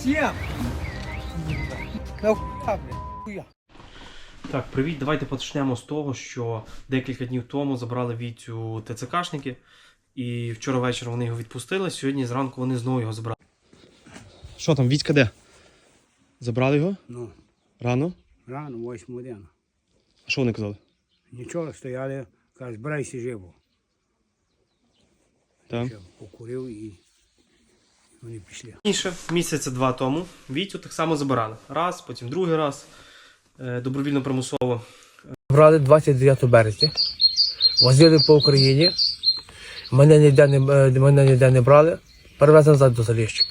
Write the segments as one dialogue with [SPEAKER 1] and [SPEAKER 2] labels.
[SPEAKER 1] Всем!
[SPEAKER 2] Так, привіт, давайте почнемо з того, що декілька днів тому забрали Вітю ТЦКшники. І вчора ввечері вони його відпустили, сьогодні зранку вони знову його забрали. Що там, Вітька де? Забрали його?
[SPEAKER 1] Ну,
[SPEAKER 2] Рано?
[SPEAKER 1] рано, 8 година.
[SPEAKER 2] А що вони казали?
[SPEAKER 1] Нічого, стояли, кажуть, збирайся живо.
[SPEAKER 2] Так.
[SPEAKER 1] Ще покурив і вони пішли.
[SPEAKER 2] Раніше, місяця 2 тому, Вітю так само забирали. Раз, потім другий раз, добровільно-примусово.
[SPEAKER 3] Брали 29 березня, возили по Україні, мене ніде не брали, перевезли назад до Заліщика.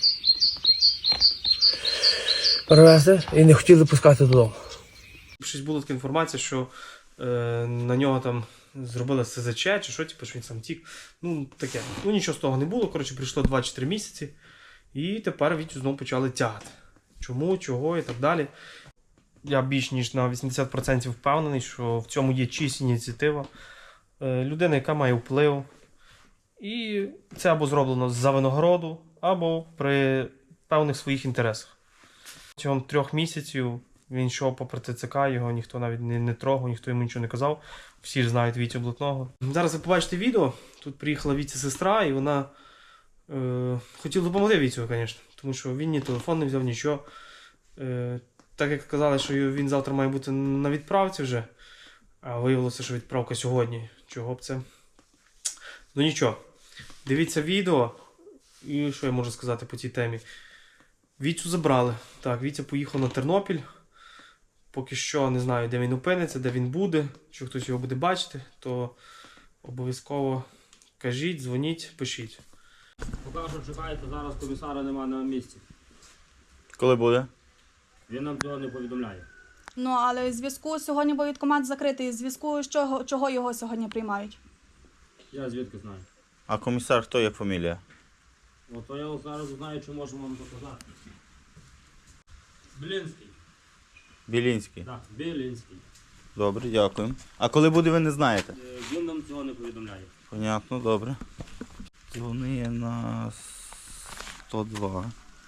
[SPEAKER 3] Перевезли і не хотіли пускати додому.
[SPEAKER 2] Щось була така інформація, що на нього там зробили СЗЧ, чи що, типу, що він сам тік. Ну, таке. Ну, нічого з того не було. Коротше, прийшло 2-4 місяці. І тепер Вітю знову почали тягати. Чому, чого і так далі. Я більш ніж на 80% впевнений, що в цьому є чиясь ініціатива. Людина, яка має вплив. І це або зроблено за винагороду, або при певних своїх інтересах. Протягом 3 місяців він йшов попри ТЦК, його ніхто навіть не трогав, ніхто йому нічого не казав. Всі ж знають Вітю Блатного. Зараз ви побачите відео. Тут приїхала Вітя сестра, і вона хотіла допомогти Вітю, звісно. Тому що він ні телефон не взяв, нічого. Так як казали, що він завтра має бути на відправці вже. А виявилося, що відправка сьогодні. Чого б це? Ну нічого. Дивіться відео. І що я можу сказати по цій темі? Вітю забрали. Так, Вітя поїхав на Тернопіль. Поки що не знаю, де він опиниться, де він буде. Якщо хтось його буде бачити, то обов'язково кажіть, дзвоніть, пишіть.
[SPEAKER 4] Поки що чекаєте, зараз комісара немає на місці.
[SPEAKER 5] Коли буде?
[SPEAKER 4] Він нам цього не повідомляє.
[SPEAKER 6] Ну, але в зв'язку сьогодні воєнкомат закритий, в зв'язку з чого його сьогодні приймають?
[SPEAKER 4] Я звідки знаю.
[SPEAKER 5] А комісар хто є фамілія?
[SPEAKER 4] Ото я зараз знаю, чи можу вам показати. Білінський.
[SPEAKER 5] Білінський.
[SPEAKER 4] Так, Білінський.
[SPEAKER 5] Добре, дякую. А коли буде, ви не знаєте?
[SPEAKER 4] Він нам цього не повідомляє.
[SPEAKER 5] Понятно, добре. Дзвони на 102.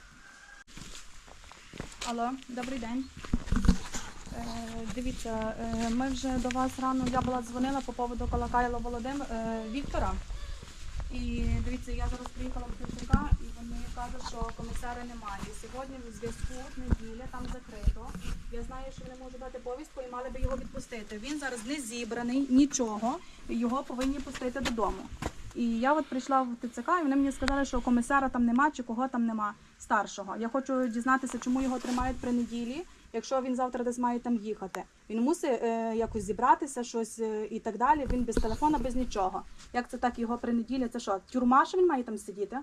[SPEAKER 6] Алло, добрий день. Дивіться, ми вже до вас рано, я була дзвонила по поводу Колокайла Віктора. І дивіться, я зараз приїхала в ТЦК, і вони кажуть, що комісара немає. Сьогодні в зв'язку неділя, там закрито. Я знаю, що вони можуть дати повістку і мали би його відпустити. Він зараз не зібраний, нічого, його повинні пустити додому. І я от прийшла в ТЦК, і вони мені сказали, що комісара там нема, чи кого там нема, старшого. Я хочу дізнатися, чому його тримають при неділі, якщо він завтра десь має там їхати. Він мусить якось зібратися, щось і так далі, він без телефона, без нічого. Як це так, його при неділі, це що, тюрма, що він має там сидіти?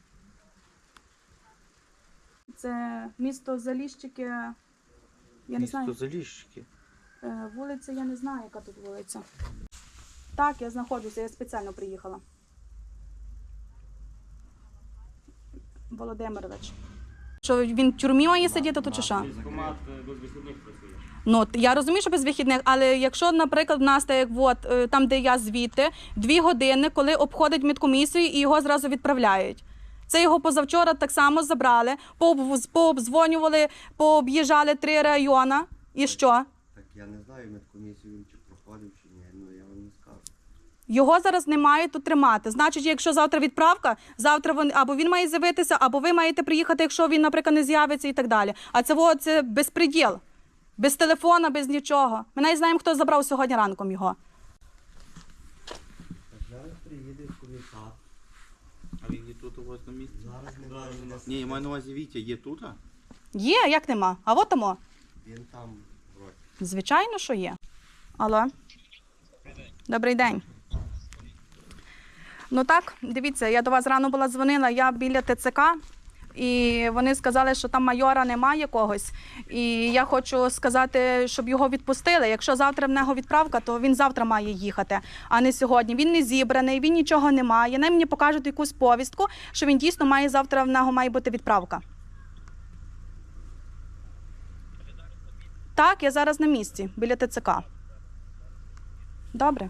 [SPEAKER 6] Це місто Заліщики, я не знаю.
[SPEAKER 5] Місто Заліщики.
[SPEAKER 6] Вулиця, я не знаю, яка тут вулиця. Так, я знаходжуся, я спеціально приїхала. Володимирович. Що він в тюрмі має сидіти, то чи що?
[SPEAKER 4] Військкомат без вихідних працює.
[SPEAKER 6] Ну, я розумію, що без вихідних, але якщо, наприклад, в нас, так, от, там, де я звідти, 2 години, коли обходить медкомісію і його зразу відправляють. Це його позавчора так само забрали, пообдзвонювали, пооб'їжджали 3 райони. І що?
[SPEAKER 7] Так я не знаю, медкомісію він чи проходив, чи ні, ну я вам не скажу.
[SPEAKER 6] Його зараз не мають тут тримати. Значить, якщо завтра відправка, завтра або він має з'явитися, або ви маєте приїхати, якщо він, наприклад, не з'явиться і так далі. А це безпреділ. Без телефона, без нічого. Ми навіть знаємо, хто забрав сьогодні ранком його.
[SPEAKER 7] Так зараз приїде комісар.
[SPEAKER 5] А він є тут у вас на місці?
[SPEAKER 7] Зараз немає у нас.
[SPEAKER 5] Ні, я маю на увазі Вітя, є тут?
[SPEAKER 6] Є, як нема. А от тому.
[SPEAKER 7] Він там вроді.
[SPEAKER 6] Звичайно, що є. Алло. Добрий день. Ну так, дивіться, я до вас рано була дзвонила, я біля ТЦК, і вони сказали, що там майора немає якогось. І я хочу сказати, щоб його відпустили. Якщо завтра в нього відправка, то він завтра має їхати, а не сьогодні. Він не зібраний, він нічого не має. Вони мені покажуть якусь повістку, що він дійсно має завтра, в нього має бути відправка. Так, я зараз на місці, біля ТЦК. Добре.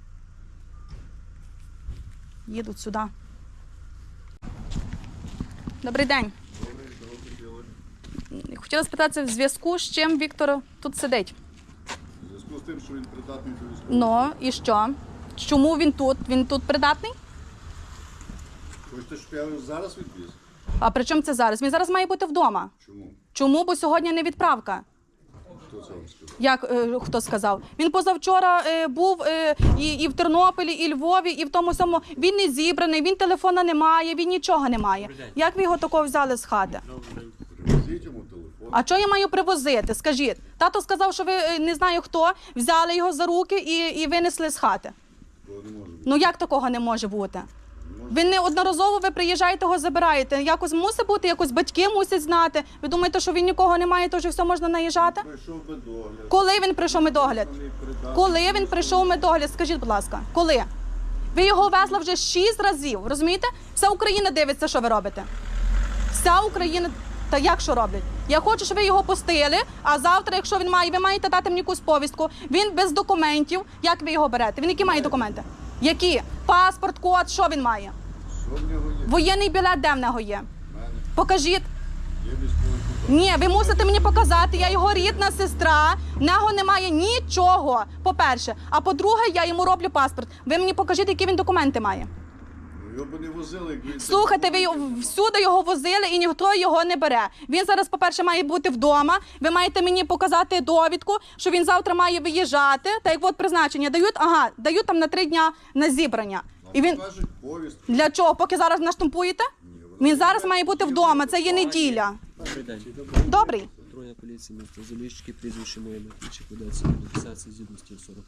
[SPEAKER 6] Їдуть сюди. Добрий день. Хотіла спитатися, в зв'язку з чим Віктор тут сидить?
[SPEAKER 8] У зв'язку з тим, що він придатний до військового.
[SPEAKER 6] Ну, і що? Чому він тут? Він тут придатний?
[SPEAKER 8] Хочете, щоб я його зараз відвіз?
[SPEAKER 6] А при чому це зараз? Він зараз має бути вдома.
[SPEAKER 8] Чому?
[SPEAKER 6] Чому? Бо сьогодні не відправка.
[SPEAKER 8] Хто це вам сказав?
[SPEAKER 6] Як хто сказав? Він позавчора був і в Тернополі, і Львові, і в тому самому. Він не зібраний, він телефона не має, він нічого не має. Як ви його такого взяли з хати?
[SPEAKER 8] Привезіть йому телефон.
[SPEAKER 6] А що я маю привозити? Скажіть. Тато сказав, що ви не знаю хто, взяли його за руки і винесли з хати.
[SPEAKER 8] Того не може бути.
[SPEAKER 6] Ну як такого не може бути? Ви неодноразово ви приїжджаєте, його забираєте. Якось мусить бути, якось батьки мусять знати. Ви думаєте, що він нікого не має, то вже все можна наїжджати?
[SPEAKER 8] Прийшов би догляд.
[SPEAKER 6] Коли він прийшов медогляд? Коли він прийшов медогляд? Скажіть, будь ласка, коли? Ви його везли вже 6 разів, розумієте? Вся Україна дивиться, що ви робите. Вся Україна... Та як що роблять? Я хочу, щоб ви його пустили, а завтра, якщо він має, ви маєте дати мені якусь повістку. Він без документів. Як ви його берете? Він які має документи? Які? Паспорт, код, що він має?
[SPEAKER 8] Що в нього є?
[SPEAKER 6] Воєнний білет де в нього є?
[SPEAKER 8] В мене
[SPEAKER 6] Покажіть.
[SPEAKER 8] є військовий куток.
[SPEAKER 6] Ні, ви мусите мені показати, я його рідна сестра, в нього немає нічого, по-перше. А по-друге, я йому роблю паспорт. Ви мені покажіть, які він документи має.
[SPEAKER 8] Ну, його б не возили, як він...
[SPEAKER 6] Слухайте, ви всюди його возили і ніхто його не бере. Він зараз, по-перше, має бути вдома. Ви маєте мені показати довідку, що він завтра має виїжджати. Та як от призначення дають там на 3 дня на зібрання. І він
[SPEAKER 8] Кажуть, повістку.
[SPEAKER 6] для чого? Поки зараз наштампуєте? Він зараз має бути вдома. Це є неділя.
[SPEAKER 9] Добрий день.
[SPEAKER 6] Добрий.
[SPEAKER 9] Патрульна поліція міста Заліщики, прізвище моє Матвійчик, ведеться мобілізація згідності 40.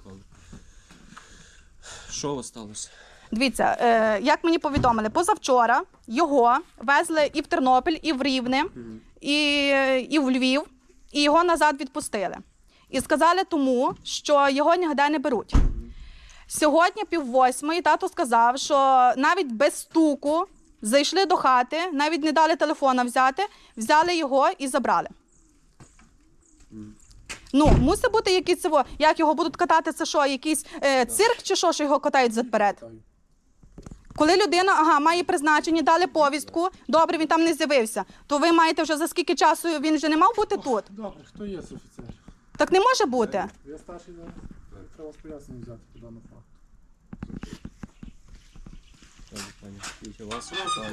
[SPEAKER 9] Що у вас сталося?
[SPEAKER 6] Дивіться, як мені повідомили, позавчора його везли і в Тернопіль, і в Рівне, і в Львів, і його назад відпустили. І сказали тому, що його ніде не беруть. Сьогодні 7:30 тато сказав, що навіть без стуку зайшли до хати, навіть не дали телефона взяти, взяли його і забрали. Ну, мусить бути якийсь, як його будуть катати, це що, якийсь цирк чи що його катають заперед? Коли людина, має призначення, дали повістку, добре, він там не з'явився, то ви маєте вже за скільки часу, він вже не мав бути тут?
[SPEAKER 10] Добре, хто є з офіцерів?
[SPEAKER 6] Так не може бути.
[SPEAKER 10] Я старший зараз. Треба з пояснення взяти по даному факту.
[SPEAKER 9] Добре, пані. Вітя, вас?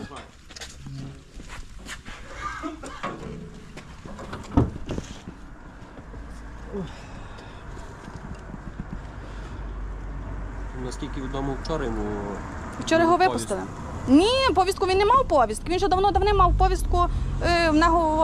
[SPEAKER 9] Наскільки відомо, вчора йому...
[SPEAKER 6] Вчора його
[SPEAKER 9] повістку.
[SPEAKER 6] випустили. Ні, повістку він не мав повістки. Він вже давно мав повістку. В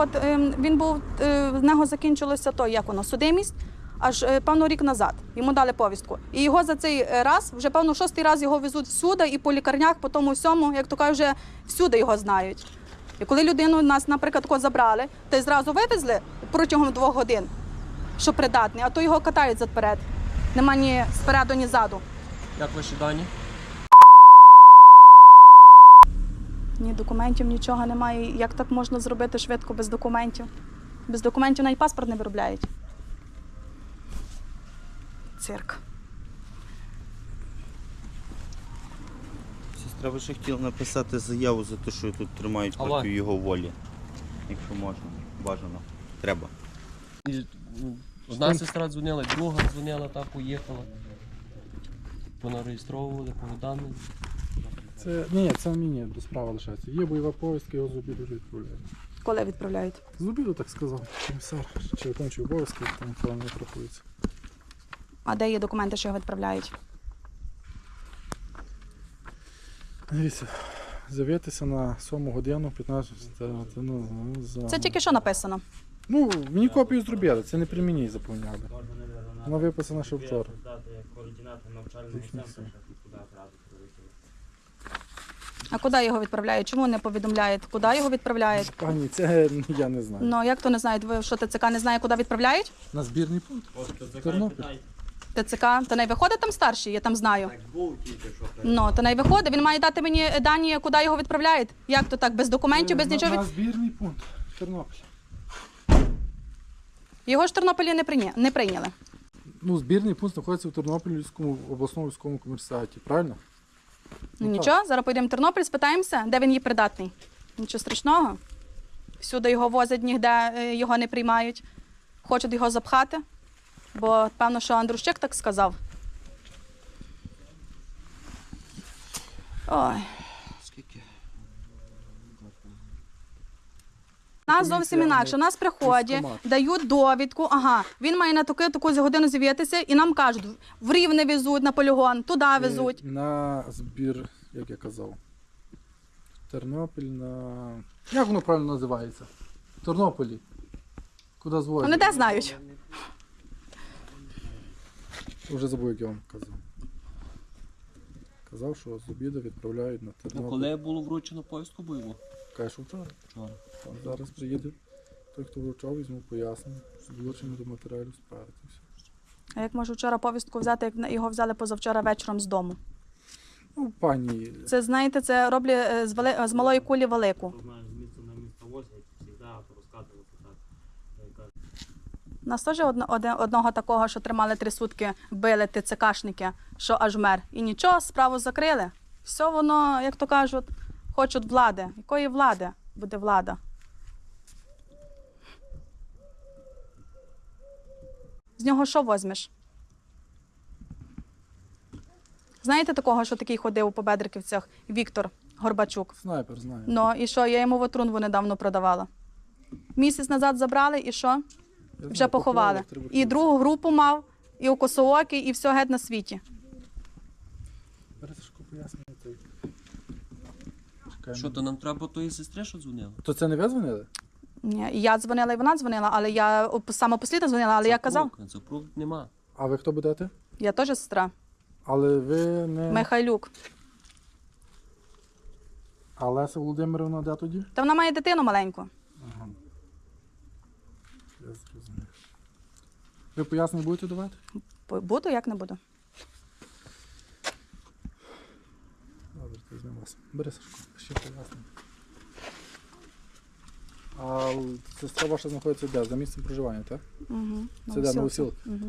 [SPEAKER 6] нього закінчилося судимість, аж певно рік назад. Йому дали повістку. І його за цей раз, вже певно 6-й раз його везуть всюди, і по лікарнях, по тому всьому, як то кажуть, вже всюди його знають. І коли людину нас, наприклад, забрали, то й зразу вивезли протягом 2 годин, що придатний, а то його катають заперед. Нема ні спереду, ні ззаду.
[SPEAKER 9] Як ваші дані?
[SPEAKER 6] Ні документів, нічого немає. Як так можна зробити швидко без документів? Без документів навіть паспорт не виробляють. Цирк.
[SPEAKER 5] Сестра, ви ще хотіли написати заяву за те, що тут тримають
[SPEAKER 9] Алло.
[SPEAKER 5] проти його волі. Якщо можна, бажано. Треба.
[SPEAKER 9] Одна сестра дзвонила, друга дзвонила, та поїхала. Вона реєстровували, повідомлення.
[SPEAKER 10] Це мені до справи лишається. Є бойова повістка, його з обіду вже відправляють.
[SPEAKER 6] Коли відправляють?
[SPEAKER 10] З обіду, так сказав, комісар. Чи виконуючий обов'язки, там це не рахується.
[SPEAKER 6] А де є документи, що його відправляють?
[SPEAKER 10] Дивіться, з'явитися на 7 годину, 15,
[SPEAKER 6] Це тільки що написано.
[SPEAKER 10] Ну, мені копію зробили, це не при мені заповняли. Вона виписана ще вчора.
[SPEAKER 6] А куди його відправляють? Чому не повідомляють? Куди його відправляють?
[SPEAKER 10] Пані, це я не знаю.
[SPEAKER 6] Ну, як то не знають? Ви що, ТЦК не знає, куди відправляють?
[SPEAKER 10] На збірний пункт. Тернопіль.
[SPEAKER 6] ТЦК? То не виходить там старший, я там знаю. Ну, то не виходить. Він має дати мені дані, куди його відправляють. Як то так? Без документів, без нічого?
[SPEAKER 10] На збірний пункт. Тернопіль.
[SPEAKER 6] Його ж в Тернополі не прийняли.
[SPEAKER 10] Ну, збірний пункт знаходиться в Тернопільському обласному військовому комісаріаті, правильно?
[SPEAKER 6] Ну, нічого, зараз поїдемо в Тернопіль, спитаємося, де він є придатний. Нічого страшного. Всюди його возять, ніде його не приймають. Хочуть його запхати, бо певно, що Андрущик так сказав. Ой.
[SPEAKER 7] Скільки?
[SPEAKER 6] У нас зовсім інакше. У нас приходять,
[SPEAKER 10] військкомат.
[SPEAKER 6] дають довідку, ага, він має на таку годину з'явитися, і нам кажуть, в Рівне везуть на полігон, туди везуть.
[SPEAKER 10] На збір, як я казав. Тернопіль Як воно правильно називається? В Тернополі. Куди звозять?
[SPEAKER 6] Вони де знають?
[SPEAKER 10] Вже забув, як я вам казав. Казав, що з обіду відправляють на
[SPEAKER 9] Ну,
[SPEAKER 10] Тернопіль.
[SPEAKER 9] коли було вручено повістку бойову?
[SPEAKER 10] Каже, що вчора.
[SPEAKER 9] Вчора.
[SPEAKER 10] Зараз приїде той, хто вручав, візьму пояснення, долучення до матеріалів справи. Це все.
[SPEAKER 6] А як можу вчора повістку взяти, як його взяли позавчора вечором з дому?
[SPEAKER 10] Ну, пані,
[SPEAKER 6] Це, знаєте, це роблять з малої кулі велику.
[SPEAKER 4] Знаєш, з місця на місце возять, завжди розказувати так.
[SPEAKER 6] У нас теж одного такого, що тримали 3 сутки, били ТЦКшники, що аж мер. І нічого, справу закрили. Все воно, як то кажуть, хочуть влади. Якої влади буде влада? З нього що возьмеш? Знаєте такого, що такий ходив по Бедриківцях? Віктор Горбачук.
[SPEAKER 10] снайпер знає.
[SPEAKER 6] Ну, і що? Я йому ватрунву недавно продавала. Місяць назад забрали, і що?
[SPEAKER 10] Я
[SPEAKER 6] Вже
[SPEAKER 10] знаю,
[SPEAKER 6] поховали.
[SPEAKER 10] треба
[SPEAKER 6] І другу групу мав, і у косоокі, і все геть на світі.
[SPEAKER 10] Бересишко пояснення. Чекаємо.
[SPEAKER 9] Що, то нам треба тої сестри, що дзвонила?
[SPEAKER 10] То це не ви дзвонили?
[SPEAKER 6] Ні, і я дзвонила, і вона дзвонила, але я саме послідно дзвонила, але я казав,
[SPEAKER 9] Запруг нема.
[SPEAKER 10] А ви хто будете?
[SPEAKER 6] я теж сестра.
[SPEAKER 10] Але ви не...
[SPEAKER 6] Михайлюк.
[SPEAKER 10] А Леся Володимирівна де тоді?
[SPEAKER 6] Та вона має дитину маленьку.
[SPEAKER 10] Ага. Я зрозумів. Ви пояснення будете давати?
[SPEAKER 6] Буду, як не буду.
[SPEAKER 10] Добре, то візьмемо вас. Бери, Сашко, ще пояснення. А сестра ваша знаходиться де? За місцем проживання, так?
[SPEAKER 6] Угу.
[SPEAKER 10] Це де, Новосілки?
[SPEAKER 6] Угу.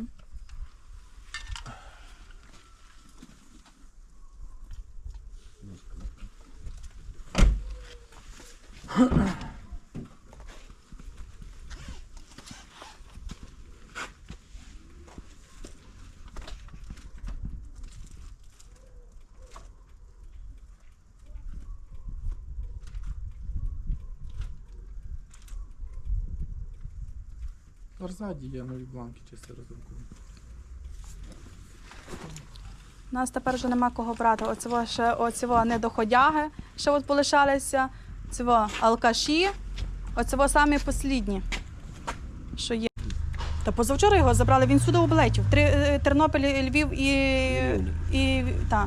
[SPEAKER 10] Ззаді є нові бланки, чисто роздруковані.
[SPEAKER 6] У нас тепер вже нема кого брати. Оцього недоходяги, ще от полишалися, цього алкаші, оцього самі послідні, що є. Та позавчора його забрали, він сюди облетів. Тернопіль, Львів і та.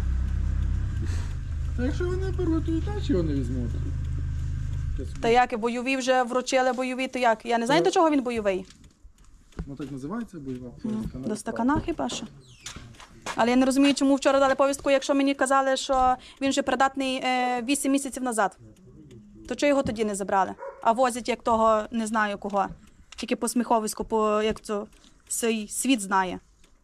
[SPEAKER 10] А якщо вони беруть, то і так його не візьмуть.
[SPEAKER 6] Та як, бойові вже вручили бойові, то як? Я не знаю, до чого він бойовий.
[SPEAKER 10] Ну так називається бойова повістка.
[SPEAKER 6] До стакана хіба що? Але я не розумію, чому вчора дали повістку, якщо мені казали, що він вже придатний 8 місяців назад. То чого його тоді не забрали? А возять як того, не знаю кого. Тільки по сміховиську, як це світ знає.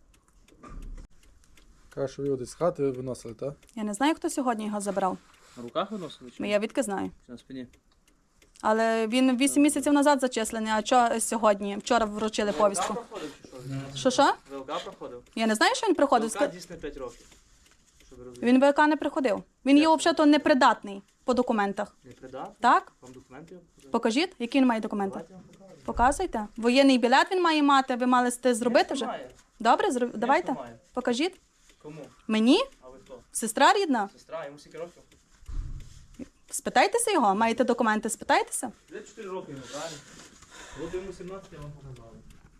[SPEAKER 10] Каже, що ви його десь з хати виносили, так?
[SPEAKER 6] Я не знаю, хто сьогодні його забрав.
[SPEAKER 4] На руках виносили чи
[SPEAKER 6] Я відки знаю.
[SPEAKER 4] на спині?
[SPEAKER 6] Але він 8 місяців назад зачислений, а що сьогодні? Вчора вручили повістку.
[SPEAKER 4] Проходив чи що?
[SPEAKER 6] Що?
[SPEAKER 4] ВЛК проходив?
[SPEAKER 6] Я не знаю, що він приходив.
[SPEAKER 4] ВЛК дійсно 5 років. Щоб ви розуміли.
[SPEAKER 6] Він ВК не приходив. Він є взагалі непридатний по документах.
[SPEAKER 4] Не придатний?
[SPEAKER 6] Так?
[SPEAKER 4] Вам документи показати?
[SPEAKER 6] Покажіть, які він має документи.
[SPEAKER 4] Давайте я вам покажу.
[SPEAKER 6] Показуйте. Воєнний білет він має мати, ви мали це зробити вже?
[SPEAKER 4] Має.
[SPEAKER 6] Добре, давайте.
[SPEAKER 4] має.
[SPEAKER 6] Покажіть.
[SPEAKER 4] Кому?
[SPEAKER 6] Мені?
[SPEAKER 4] А ви хто?
[SPEAKER 6] Сестра рідна?
[SPEAKER 4] Сестра, йому скільки років?
[SPEAKER 6] Спитайтеся його, маєте документи, спитайтеся.
[SPEAKER 4] Де 4 роки йому, правильно? От йому 17, я вам показав.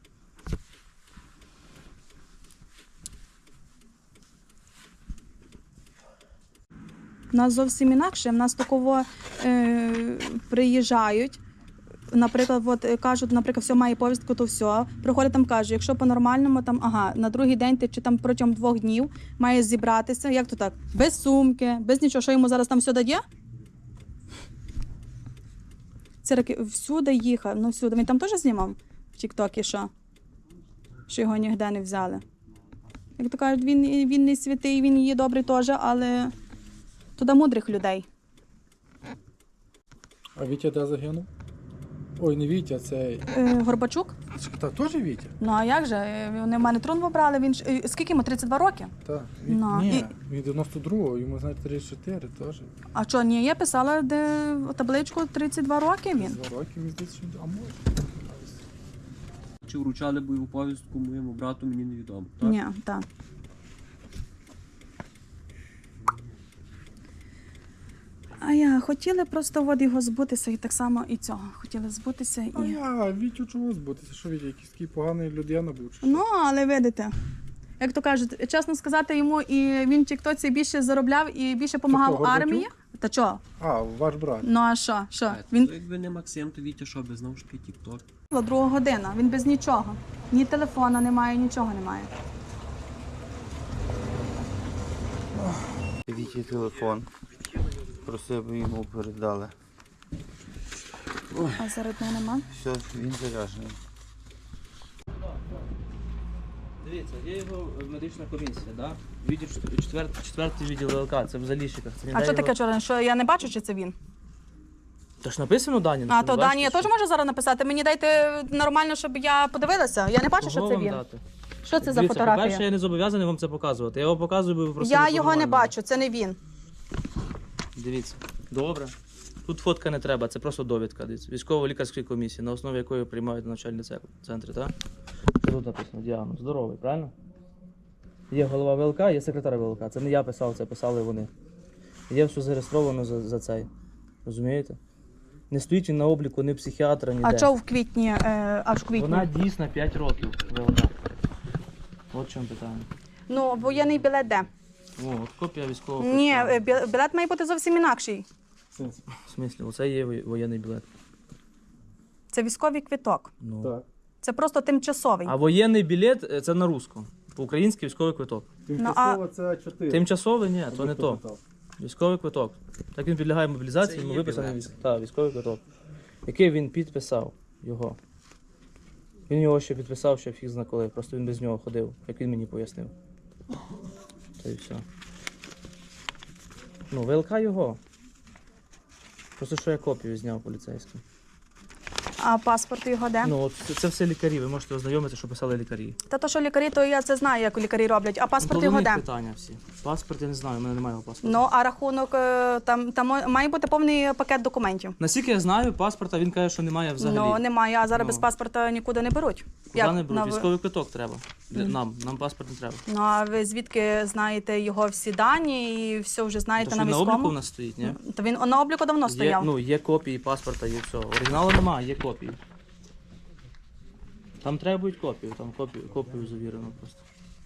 [SPEAKER 6] У нас зовсім інакше. У нас такого приїжджають. Наприклад, кажуть, наприклад, все має повістку, то все. Приходять там, кажуть, якщо по-нормальному, там, на другий день ти чи там протягом 2 днів маєш зібратися. Як то так? Без сумки, без нічого. Що йому зараз там все дає? Це всюди їхав, ну всюди. Він там теж знімав в Тік-Токі, що його ніде не взяли. Як то кажуть, він не святий, він є добрий теж, але туди мудрих людей.
[SPEAKER 10] А Вітя де загинув? Ой, не Вітя, це.
[SPEAKER 6] Горбачук?
[SPEAKER 10] Та теж Вітя?
[SPEAKER 6] Ну а як же? Вони в мене трун вибрали, він ж... Скільки йому? 32 роки?
[SPEAKER 10] Так.
[SPEAKER 6] Ну,
[SPEAKER 10] Ні, він 92-го, йому, знаєте, 34 теж.
[SPEAKER 6] А що, ні, я писала де табличку 32 роки він.
[SPEAKER 10] 2 роки, мені здається, що... А може?
[SPEAKER 9] Чи вручали бойову повістку моєму брату, мені невідомо. Так?
[SPEAKER 6] Ні, так. А я хотіли просто от його збутися і так само і цього. Хотіли збутися
[SPEAKER 10] А
[SPEAKER 6] і...
[SPEAKER 10] я, Вітю чого збутися? Що Вітя, якийсь такий поганий людина був? Чи що?
[SPEAKER 6] Ну, але видите, як то кажуть, чесно сказати йому, і він в тіктоці більше заробляв і більше допомагав
[SPEAKER 10] Горбатюк?
[SPEAKER 6] армії. Та чого?
[SPEAKER 10] А, ваш брат.
[SPEAKER 6] Ну а що? Що?
[SPEAKER 9] Він...
[SPEAKER 6] Він
[SPEAKER 9] Якби не Максим, то Вітя що, без знову ж таки тік-ток.
[SPEAKER 6] 2 година, він без нічого. Ні телефона немає, нічого немає.
[SPEAKER 5] Вітя телефон. Просив би йому передали.
[SPEAKER 6] А зарядного нема?
[SPEAKER 5] Все, він заряджений.
[SPEAKER 11] Дивіться, є його медична комісія, да? Відділ четвертий відділ ВЛК, це в Заліщиках. Це
[SPEAKER 6] А що таке чорне? Що я не бачу, чи це він?
[SPEAKER 11] Та ж написано Дані.
[SPEAKER 6] А то Дані я теж можу зараз написати. Мені дайте нормально, щоб я подивилася. Я не бачу, що це він. Що це за
[SPEAKER 11] Дивіться,
[SPEAKER 6] фотографія?
[SPEAKER 11] по-перше, я не зобов'язаний вам це показувати. Я його показую, бо ви просили.
[SPEAKER 6] Я
[SPEAKER 11] щоб
[SPEAKER 6] його не
[SPEAKER 11] нормально.
[SPEAKER 6] бачу, це не він.
[SPEAKER 11] Дивіться, добре. Тут фотка не треба, це просто довідка. Дивіться. Військово-лікарської комісії, на основі якої приймають навчальні центри, так? Що тут написано? Діагноз. Здоровий, правильно? Є голова ВЛК, є секретар ВЛК. Це не я писав, це писали вони. Є все зареєстровано за цей. Розумієте? Не стоїть він на обліку ні психіатра, ніде.
[SPEAKER 6] А чого в квітні, аж в квітні?
[SPEAKER 11] Вона дійсна 5 років ВЛК. От в чому питання.
[SPEAKER 6] Ну, воєнний білет де?
[SPEAKER 11] О, от копія військового.
[SPEAKER 6] Ні,
[SPEAKER 11] квитка.
[SPEAKER 6] білет має бути зовсім інакший.
[SPEAKER 11] В смислі, оце є воєнний білет.
[SPEAKER 6] Це військовий квиток.
[SPEAKER 11] Ну.
[SPEAKER 10] Так.
[SPEAKER 6] Це просто тимчасовий.
[SPEAKER 11] А воєнний білет це на русском. По-українськи військовий квиток.
[SPEAKER 10] Тимчасово це 4.
[SPEAKER 11] Тимчасовий ні, то не то. Військовий квиток. Так він підлягає мобілізації, йому виписаний військовий квиток. Який він підписав його. Він його ще підписав, ще фіг зна коли. Просто він без нього ходив, як він мені пояснив. Та й все. Ну, ВЛК його. Просто що я копію зняв поліцейську.
[SPEAKER 6] А паспорт його де?
[SPEAKER 11] Ну, от це все лікарі, ви можете ознайомитися, що писали лікарі.
[SPEAKER 6] Та то, що лікарі, то я це знаю, як лікарі роблять. А паспорт
[SPEAKER 11] Ну,
[SPEAKER 6] його
[SPEAKER 11] до них
[SPEAKER 6] де?
[SPEAKER 11] питання всі. Паспорт я не знаю, у мене немає його паспорта.
[SPEAKER 6] Ну, а рахунок, там має бути повний пакет документів.
[SPEAKER 11] Наскільки я знаю, паспорта він каже, що немає взагалі.
[SPEAKER 6] Ну, немає, а зараз
[SPEAKER 11] Ну.
[SPEAKER 6] без паспорта нікуди не беруть.
[SPEAKER 11] Куди не беруть? Військовий квиток треба. Нам паспорт не треба.
[SPEAKER 6] Ну, а ви звідки знаєте його всі дані і все вже знаєте
[SPEAKER 11] То
[SPEAKER 6] на
[SPEAKER 11] що він на обліку
[SPEAKER 6] військовому?
[SPEAKER 11] в нас стоїть, ні?
[SPEAKER 6] То він на обліку давно
[SPEAKER 11] Є,
[SPEAKER 6] стояв.
[SPEAKER 11] ну, є копії паспорта, є все. Оригіналу немає, є копії. Там треба будуть копію, там копію завірено просто.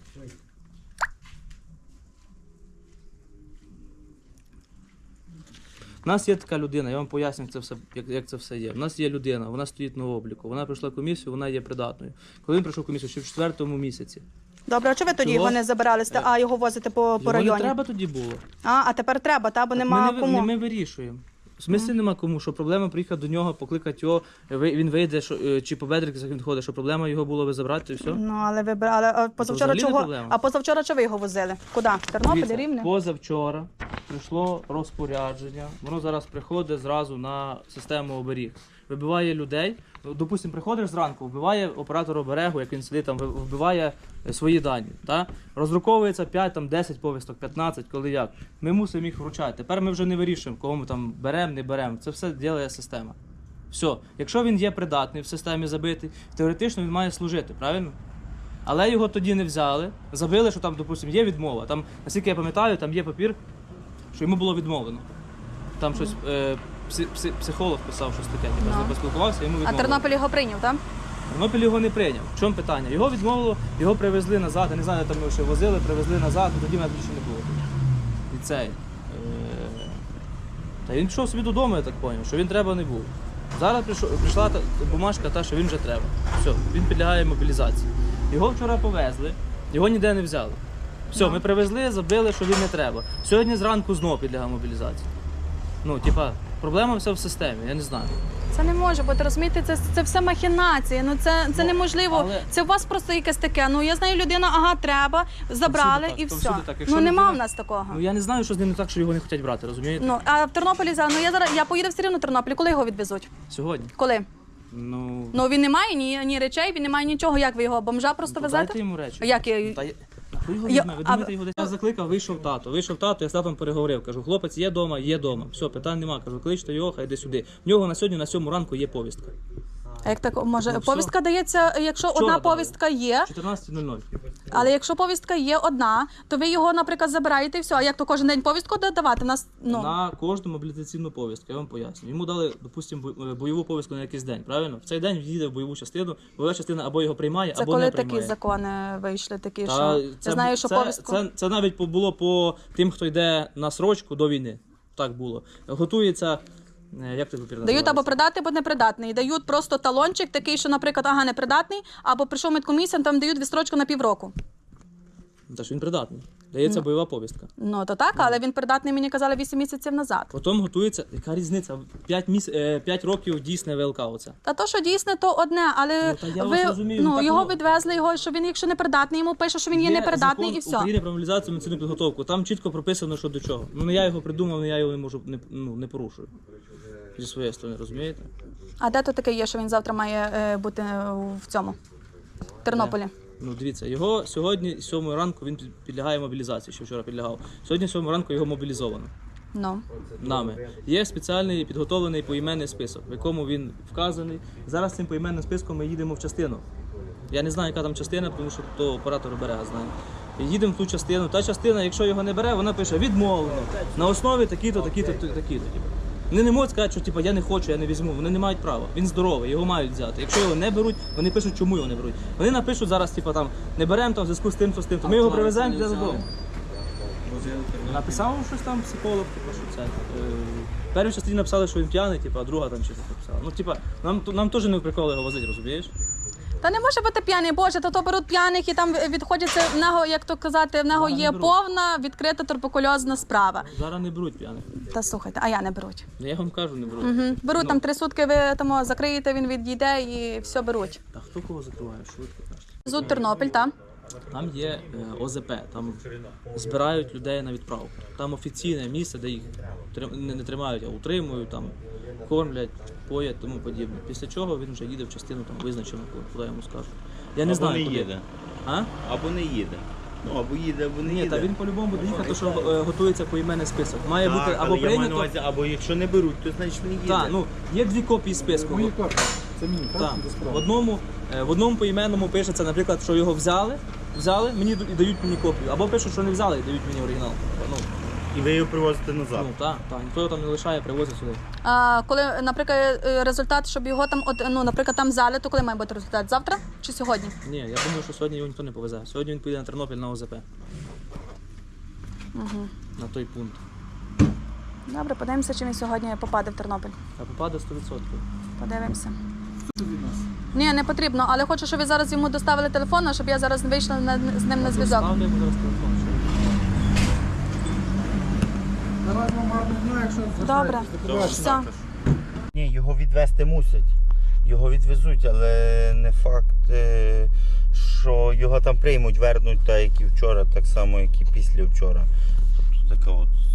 [SPEAKER 11] У нас є така людина, я вам поясню, як це все є. У нас є людина, вона стоїть на обліку, вона пройшла комісію, вона є придатною. Коли він пройшов комісію, ще в 4-му місяці.
[SPEAKER 6] Добре, а чого ви тоді
[SPEAKER 11] Чого?
[SPEAKER 6] його не забирали, а його возите по
[SPEAKER 11] Його
[SPEAKER 6] районі?
[SPEAKER 11] не треба тоді було.
[SPEAKER 6] А тепер треба, та, бо
[SPEAKER 11] Так
[SPEAKER 6] нема
[SPEAKER 11] ми,
[SPEAKER 6] кому.
[SPEAKER 11] ми вирішуємо. В смислі нема кому, що проблема приїхати до нього, покликати його, він вийде, чи по бедриках він ходить, що проблема його було ви забрати і все.
[SPEAKER 6] Ну, але ви брали, а позавчора
[SPEAKER 11] взагалі не
[SPEAKER 6] чого?
[SPEAKER 11] проблема.
[SPEAKER 6] А позавчора чого ви його возили? Куди? Тернопіль,
[SPEAKER 11] Дивіться,
[SPEAKER 6] Рівне?
[SPEAKER 11] позавчора прийшло розпорядження, воно зараз приходить зразу на систему оберіг. Вибиває людей, допустимо, приходиш зранку, вбиває оператор оберегу, як він сидить там, вбиває свої дані. Та? Роздруковується 5, там, 10 повісток, 15, коли як. Ми мусимо їх вручати. Тепер ми вже не вирішуємо, кого ми там беремо, не беремо. Це все робить система. Все. Якщо він є придатний в системі забитий, теоретично він має служити, правильно? Але його тоді не взяли, забили, що там, допустимо, є відмова. Там, наскільки я пам'ятаю, там є папір, що йому було відмовлено. Там щось психолог писав, щось таке,
[SPEAKER 6] Ну.
[SPEAKER 11] поспілкувався, йому
[SPEAKER 6] А
[SPEAKER 11] відмовили.
[SPEAKER 6] Тернопіль його прийняв, так?
[SPEAKER 11] Тернопіль його не прийняв. В чому питання? Його відмовило, його привезли назад, я не знаю, там його ще возили, привезли назад, і тоді мене більше не було. І цей. Та він пішов собі додому, я так зрозумів, що він треба не був. Зараз прийшла бумажка та, що він вже треба. Все, він підлягає мобілізації. Його вчора повезли, його ніде не взяли. Все, ми привезли, забили, що він не треба. Сьогодні зранку знову підлягає мобілізації. Ну, типа, проблема вся в системі, я не знаю.
[SPEAKER 6] Це не може бути, розумієте, це все махінації, ну це неможливо.
[SPEAKER 11] але-
[SPEAKER 6] Це у вас просто якесь таке, ну я знаю, людина, ага, треба, забрали
[SPEAKER 11] так,
[SPEAKER 6] і
[SPEAKER 11] то
[SPEAKER 6] все.
[SPEAKER 11] всюди так. Якщо
[SPEAKER 6] Ну нема
[SPEAKER 11] людина-
[SPEAKER 6] в нас такого.
[SPEAKER 11] Ну я не знаю, що з ним не так, що його не хочуть брати, розумієте?
[SPEAKER 6] Ну, а в Тернополі зараз, я поїду все рівно в Тернопіль, коли його відвезуть?
[SPEAKER 11] Сьогодні.
[SPEAKER 6] Коли?
[SPEAKER 11] Ну,
[SPEAKER 6] Ну він не має ні речей, він не має нічого. Як ви його бомжа просто
[SPEAKER 11] то
[SPEAKER 6] везете?
[SPEAKER 11] дайте йому речі.
[SPEAKER 6] А як я-
[SPEAKER 11] Та ви його
[SPEAKER 6] Я-
[SPEAKER 11] візьме, ви
[SPEAKER 6] а
[SPEAKER 11] думаєте,
[SPEAKER 6] ви-
[SPEAKER 11] його десь? Я закликав, вийшов тато, я з татом переговорив. Кажу, хлопець є дома, все, питань нема. Кажу, кличте його, хай йде сюди. В нього на сьогодні, на 7 ранку є повістка.
[SPEAKER 6] А як так може?
[SPEAKER 11] Ну, все.
[SPEAKER 6] Повістка дається, якщо
[SPEAKER 11] Вчора
[SPEAKER 6] одна
[SPEAKER 11] дали.
[SPEAKER 6] повістка є,
[SPEAKER 11] 14:00.
[SPEAKER 6] але якщо повістка є одна, то ви його, наприклад, забираєте і все. А як то кожен день повістку давати? Нас
[SPEAKER 11] На кожну мобілізаційну повістку, я вам поясню. Йому дали, допустимо, бойову повістку на якийсь день, правильно? В цей день він їде в бойову частину, бойова частина або його приймає,
[SPEAKER 6] це
[SPEAKER 11] або
[SPEAKER 6] коли
[SPEAKER 11] не
[SPEAKER 6] такі
[SPEAKER 11] приймає.
[SPEAKER 6] закони вийшли, такі,
[SPEAKER 11] Та
[SPEAKER 6] що я знаю, що повістку.
[SPEAKER 11] Це навіть було по тим, хто йде на срочку до війни. Так було. Готується, як ти папір
[SPEAKER 6] Дають або придатний, або непридатний. Дають просто талончик такий, що, наприклад, непридатний, або прийшов медкомісія, там дають відстрочку на півроку.
[SPEAKER 11] Та ж він придатний. Дається бойова повістка.
[SPEAKER 6] Ну то так, але він придатний, мені казали, 8 місяців назад.
[SPEAKER 11] Потім готується, яка різниця? 5 років дійсне ВЛК оце.
[SPEAKER 6] Та то, що дійсне, то одне, але
[SPEAKER 11] Ну, та я вас розумію, ну, так
[SPEAKER 6] його
[SPEAKER 11] воно-
[SPEAKER 6] відвезли, що він, якщо непридатний, йому пише, що він є непридатний,
[SPEAKER 11] закон
[SPEAKER 6] і все.
[SPEAKER 11] України про мобілізацію медицинну підготовку. Там чітко прописано, що до чого. Ну не я його придумав, не я його не можу не порушую. Зі своєї сторони, розумієте?
[SPEAKER 6] А де то таке є, що він завтра має бути в цьому в Тернополі?
[SPEAKER 11] Ну дивіться, його сьогодні, з 7 ранку, він підлягає мобілізації, що вчора підлягав. Сьогодні, з 7 ранку, його мобілізовано.
[SPEAKER 6] Ну.
[SPEAKER 11] Нами. Є спеціальний підготовлений поіменний список, в якому він вказаний. Зараз цим поіменним списком ми їдемо в частину. Я не знаю, яка там частина, тому що то оператор берега знає. І їдемо в ту частину. Та частина, якщо його не бере, вона пише відмовлено. На основі такі-то, такі-то, такі-то. Вони не можуть сказати, що я не хочу, я не візьму. Вони не мають права. Він здоровий, його мають взяти. Якщо його не беруть, вони пишуть, чому його не беруть. Вони напишуть зараз, там, не беремо там в зв'язку з тим, з тим. Ми його привеземо для додому. Написав щось там психолог, що це. В першій частині написали, що він п'яний, а друга там щось написала. Ну, нам теж не в приколи його возити, розумієш?
[SPEAKER 6] Та не може бути п'яний, Боже, то беруть п'яних і там відходяться, в нього, як то казати, в нього є повна відкрита туберкульозна справа.
[SPEAKER 11] Зараз не беруть п'яних.
[SPEAKER 6] Та слухайте, а я не беруть.
[SPEAKER 11] Я вам кажу, не беруть.
[SPEAKER 6] Угу. Беруть там 3 сутки, ви там закриєте, він відійде і все беруть.
[SPEAKER 11] Та хто кого закриває? Швидко кажете.
[SPEAKER 6] Зуд Тернопіль, так?
[SPEAKER 11] Там є ОЗП, там збирають людей на відправку. Там офіційне місце, де їх не тримають, а утримують, там кормлять, поять, тому подібне. Після чого він вже їде в частину там визначену, куди йому скажуть. Я не знаю,
[SPEAKER 5] не
[SPEAKER 11] куди.
[SPEAKER 5] їде.
[SPEAKER 11] А?
[SPEAKER 5] Або не їде. Ну, або їде, або не
[SPEAKER 11] Ні,
[SPEAKER 5] їде.
[SPEAKER 11] та він по-любому буде їхати, тому що готується поіменний список. Має
[SPEAKER 5] Так,
[SPEAKER 11] бути
[SPEAKER 5] але
[SPEAKER 11] або
[SPEAKER 5] я маю на
[SPEAKER 11] прийнято.
[SPEAKER 5] увазі, або якщо не беруть, то значить не їде.
[SPEAKER 11] Так, ну є 2 копії списку.
[SPEAKER 10] Мої копії. Це мені, так?
[SPEAKER 11] Так.
[SPEAKER 10] Без права.
[SPEAKER 11] В одному поіменному пишеться, наприклад, що його взяли, мені і дають мені копію. Або пишуть, що не взяли і дають мені оригінал. Ну,
[SPEAKER 5] І ви його привозите назад.
[SPEAKER 11] ну так, ніхто його там не лишає, привозить сюди.
[SPEAKER 6] А коли, наприклад, результат, щоб його там, наприклад, там взяли, то коли має бути результат? Завтра чи сьогодні?
[SPEAKER 11] Ні, я думаю, що сьогодні його ніхто не повезе. Сьогодні він поїде на Тернопіль на ОЗП.
[SPEAKER 6] Угу.
[SPEAKER 11] На той пункт.
[SPEAKER 6] Добре, подивимося, чи він сьогодні попаде в Тернопіль.
[SPEAKER 11] А попаде 100%.
[SPEAKER 6] Подивимося. Ні, не потрібно, але хочу, щоб ви зараз йому доставили телефон, щоб я зараз вийшла з ним на зв'язок.
[SPEAKER 11] Ставлю йому зараз телефон.
[SPEAKER 10] Давай вам гарно дня, якщо
[SPEAKER 6] Добре. Все.
[SPEAKER 5] Ні, його відвезти мусять. Його відвезуть, але не факт, що його там приймуть, вернуть, так як і вчора, так само, як і після вчора. Тобто така от